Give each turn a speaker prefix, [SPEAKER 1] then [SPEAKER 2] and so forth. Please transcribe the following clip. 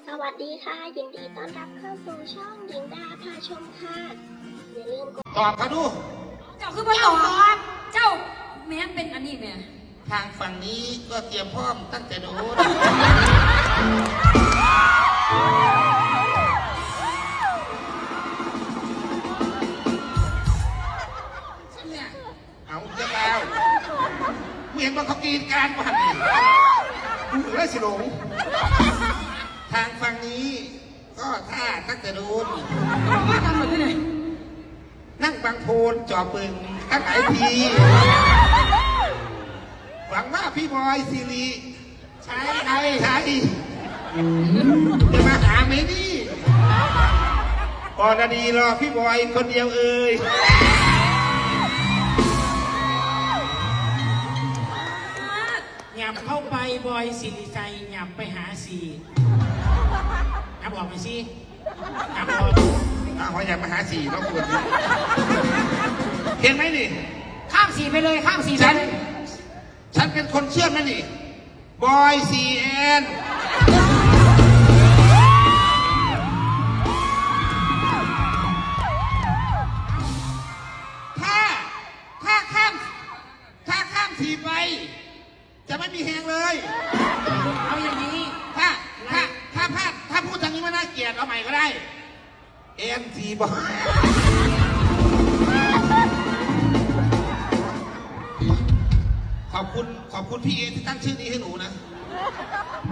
[SPEAKER 1] สวัสดีค่ะยินดีต้อนรับเข้าสู่ช่องหญิงดาพาชมค่ะอย่าลืมกด
[SPEAKER 2] ตอบเขาดู
[SPEAKER 3] เจ้าคือมาตอบเจ้าแม่เป็นอันนี้แม่
[SPEAKER 2] ทางฝั่งนี้ก็เตรียมพร้อมตั้งแต่โน้นเอาเจ้าแล้วเห็นว่าเขากินการผ่านดูหรือไรสิหลงทางฝั่งนี้ก็ท่าตั้งแต่โน้นนั่งบางโพนจอปึงตั้งหลายทีหวังว่าพี่บอยสิริใช่จะมาหาไหมนี่ปอนาดีรอพี่บอยคนเดียวเอ่ย
[SPEAKER 4] หยับเข้าไปบอยสิริชัยหยับไปหาสีหยับออกไปสิหยับออก
[SPEAKER 2] เขาอยากมาหาสี่รบกวนเห็นไหมนี่
[SPEAKER 4] ข้ามสีไปเลยข้ามสี
[SPEAKER 2] ฉันเป็นคนเชื่อไหมนี่บอยซีแอนถ้าข้ามสีไปจะไม่มีแหงเลย
[SPEAKER 4] เอาอย่างนี้
[SPEAKER 2] ถ้าพูดทางนี้ไม่น่าเกลียดเอาใหม่ก็ได้เอ็มซีบอยขอบคุณพี่เอที่ตั้งชื่อนี้ให้หนูนะ